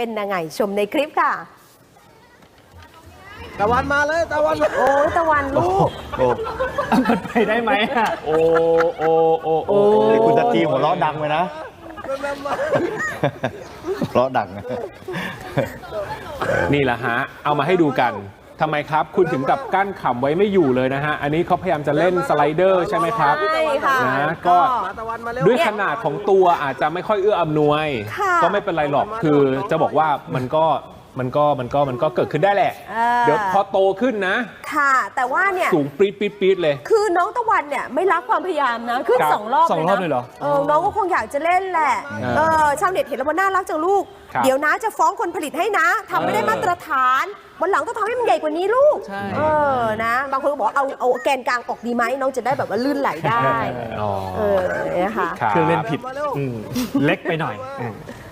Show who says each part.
Speaker 1: เป็นยังไงชมในคลิปค่ะ
Speaker 2: ตะวันมาเลยตะวันมา
Speaker 1: โอ้ยตะวันลูก
Speaker 3: โอ้
Speaker 4: มันไปได้ไหมอ่ะ
Speaker 3: โอ้นี่คุณตะจีหัวเราะดังไปนะหัวเราะดังนะ
Speaker 4: นี่แหละฮะ เอามาให้ดูกันทำไมครับ คุณถึงกับกั้นขำไว้ไม่อยู่เลยนะฮะ อันนี้เขาพยายามจะเล่นสไลเดอร์ใช่ไหมครับ
Speaker 1: ใช่ค่ะ
Speaker 4: นะก็
Speaker 2: ตะวันมาเร็ว
Speaker 4: ด้วยขนาดของตัวอาจจะไม่ค่อยเอื้ออำนวย
Speaker 1: ค่ะ
Speaker 4: ก็ไม่เป็นไรหรอกคือจะบอกว่ามันก็เกิดขึ้นได้แหละ เดี๋ยวพอโตขึ้นนะ
Speaker 1: ค่ะ แต่ว่าเนี่ย
Speaker 4: สูงปี๊ดเลย
Speaker 1: คือน้องตะวันเนี่ยไม่รักความพยายามนะขึ้น
Speaker 4: ครับ
Speaker 1: 2 รอบ
Speaker 4: สองรอบเลยเหรอ
Speaker 1: น้องก็คงอยากจะเล่นแหละ
Speaker 4: อ่า
Speaker 1: ชาวเน็ตเห็นแล้วมันน่ารักจังลูก
Speaker 4: ครับ
Speaker 1: เดี๋ยวนะจะฟ้องคนผลิตให้นะทำไม่ได้มาตรฐานวันหลังต้องทำให้มันใหญ่กว่านี้ลูก
Speaker 4: ใช่
Speaker 1: นะบางคนก็บอกเอาแกนกลางออกดีไหมน้องจะได้แบบว่าลื่นไหลได้
Speaker 4: อ๋อ
Speaker 1: นะคะ
Speaker 4: รับ
Speaker 5: เครื่องเล่นผิด
Speaker 2: มาเร็ว
Speaker 5: เล็กไปหน่อย